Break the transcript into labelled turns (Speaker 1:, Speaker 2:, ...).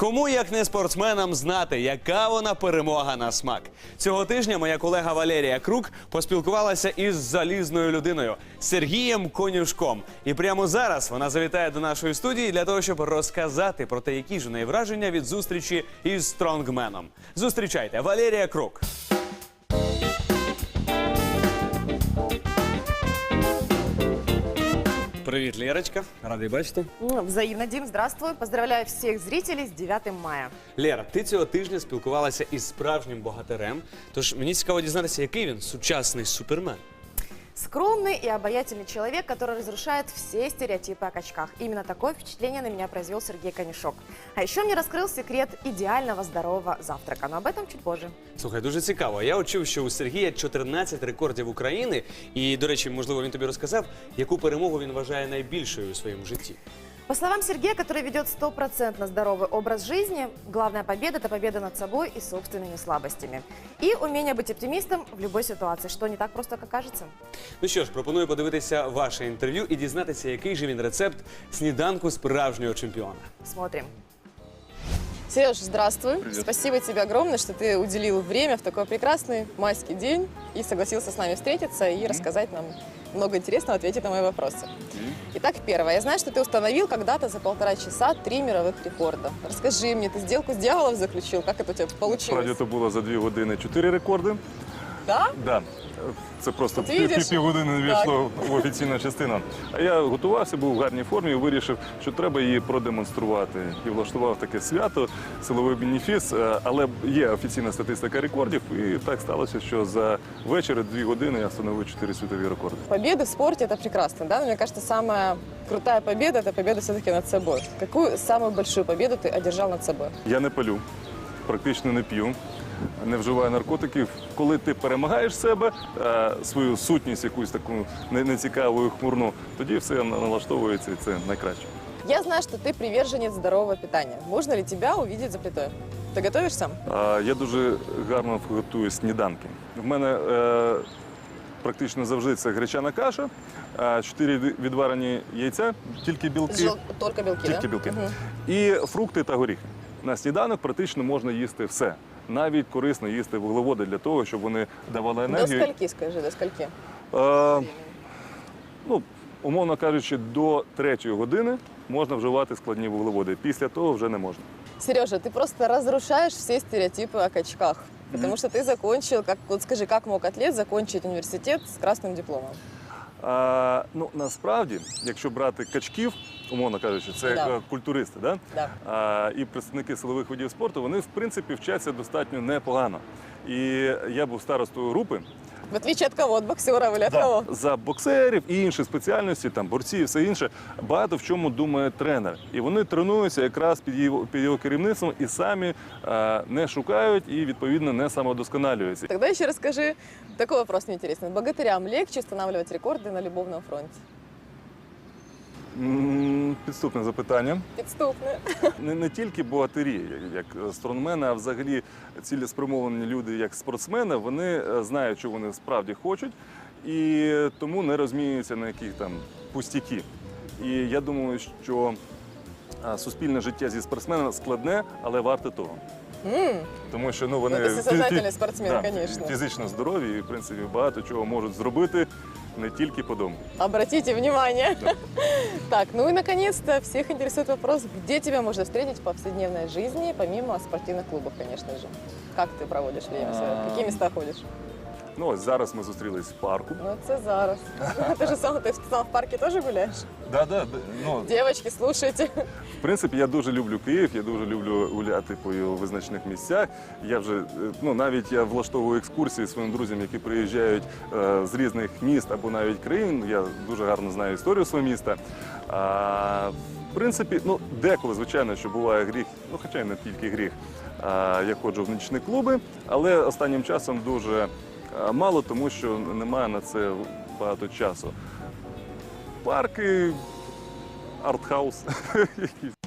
Speaker 1: Кому, як не спортсменам, знати, яка вона перемога на смак? Цього тижня моя колега Валерія Крук поспілкувалася із залізною людиною – Сергієм Конюшком. І прямо зараз вона завітає до нашої студії для того, щоб розказати про те, які ж у неї враження від зустрічі із стронгменом. Зустрічайте, Валерія Крук. Привіт, Лерочка. Радий бачити.
Speaker 2: Взаимно, Дим, здравствуй. Поздравляю всех зрителей с 9 мая.
Speaker 1: Лера, ти цього тижня спілкувалася із справжнім богатирем. Тож мені цікаво дізнатися, який він сучасний супермен.
Speaker 2: Скромный и обаятельный человек, который разрушает все стереотипы о качках. Именно такое впечатление на меня произвел Сергей Конюшок. А еще мне раскрыл секрет идеального здорового завтрака, но об этом чуть позже.
Speaker 1: Слухай, дуже цікаво. Я чув, що у Сергія 14 рекордів України. І, до речі, можливо, він тобі розказав, яку перемогу він вважає найбільшою у своєму житті.
Speaker 2: По словам Сергея, который ведет 100% здоровый образ жизни, главная победа – это победа над собой и собственными слабостями. И умение быть оптимистом в любой ситуации, что не так просто, как кажется.
Speaker 1: Ну що ж, пропоную подивитися ваше інтерв'ю і дізнатися, який же він рецепт сніданку справжнього чемпіона.
Speaker 2: Смотрим.
Speaker 3: Сереж, здравствуй.
Speaker 4: Привет.
Speaker 3: Спасибо тебе огромное, что ты уделил время в такой прекрасный майский день и согласился с нами встретиться и рассказать нам много интересного, ответить на мои вопросы. Итак, первое. Я знаю, что ты установил когда-то за 1,5 часа 3 мировых рекорда. Расскажи мне, ты сделку с дьяволом заключил? Как это у тебя получилось?
Speaker 4: Справді, це було за 2 години 4 рекорди.
Speaker 3: Да?
Speaker 4: Да. Це просто
Speaker 3: От видиш?
Speaker 4: півгодини не війшло в офіційну частину. А я готувався, був в гарній формі і вирішив, що треба її продемонструвати. І влаштував таке свято, силовий бенефіс. Але є офіційна статистика рекордів. І так сталося, що за вечір 2 години я встановив 4 світові рекорди.
Speaker 3: Победы в спорте – это прекрасно, да? Но мне кажется, самая крутая победа – это победа все-таки над собой. Какую самую большую победу ты одержал над собой?
Speaker 4: Я не палю, практично не п'ю, не вживаю наркотиків. Коли ти перемагаєш себе, свою сутність якусь таку нецікаву і хмурну, тоді все налаштовується і це найкраще.
Speaker 3: Я знаю, что ты приверженец здорового питания. Можно ли тебя увидеть за плитой? Ты готовишь сам?
Speaker 4: Я дуже гарно готую сніданки. В мене практично завжди це гречана каша, 4 відварені яйця, тільки білки.
Speaker 3: Только белки,
Speaker 4: Тільки
Speaker 3: да?
Speaker 4: білки.
Speaker 3: Мгм.
Speaker 4: І фрукти та горіхи. На сніданок практично можна їсти все. Навіть корисно їсти вуглеводи для того, щоб вони давали
Speaker 3: До
Speaker 4: енергію.
Speaker 3: скольки, скажи, до скольки?
Speaker 4: Ну, умовно кажучи, до 3-ї години можна вживати складні вуглеводи. Після того вже не можна.
Speaker 3: Сережа, ты просто разрушаешь все стереотипы о качках. Потому что ты закончил, вот скажи, как мог атлет закончить университет с красным дипломом?
Speaker 4: Ну, насправді, якщо брати качків, умовно кажучи, це
Speaker 3: Да.
Speaker 4: культуристи, да?
Speaker 3: Да.
Speaker 4: І представники силових видів спорту, вони, в принципі, вчаться достатньо непогано. І я був старостою групи.
Speaker 3: В отличие от кого? От боксеров или от кого?
Speaker 4: За боксерів і інші спеціальності, там борці і все інше, багато в чому думає тренер. І вони тренуються якраз під його керівництвом і самі не шукають і, відповідно, не самодосконалюються.
Speaker 3: Тогда еще расскажи, такой вопрос мне интересный. Богатырям легче устанавливать рекорды на любовном фронте?
Speaker 4: Підступне запитання.
Speaker 3: Підступне.
Speaker 4: Не тільки богатирі, як стронгмени, а взагалі цілеспрямовані люди, як спортсмени, вони знають, що вони справді хочуть, і тому не розмінюються на яких там пустяки. І я думаю, що суспільне життя зі спортсменами складне, але варте того. Тому що вони
Speaker 3: ти сознательний спортсмен, конечно.
Speaker 4: фізично здорові і, в принципі, багато чого можуть зробити не тільки по дому.
Speaker 3: Обратите внимание.
Speaker 4: Да.
Speaker 3: Так, ну и наконец-то всех интересует вопрос, где тебя можно встретить в повседневной жизни, помимо спортивных клубов, конечно же. Как ты проводишь время свое? В какие места ходишь?
Speaker 4: Ну, ось зараз ми зустрілись в парку.
Speaker 3: Ну, это зараз. Ты сам в парке тоже гуляешь?
Speaker 4: Ну,
Speaker 3: Девочки, слушайте.
Speaker 4: в принципі, я дуже люблю Київ, я дуже люблю гуляти по його визначених місцях. Я вже, навіть я влаштовую екскурсії своїм друзям, які приїжджають з різних міст або навіть країн. Я дуже гарно знаю історію свого міста. В принципі, деколи, звичайно, що буває гріх, хоча й не тільки гріх, я ходжу в нічні клуби, але останнім часом дуже мало, тому що немає на це багато часу. Парки, артхаус.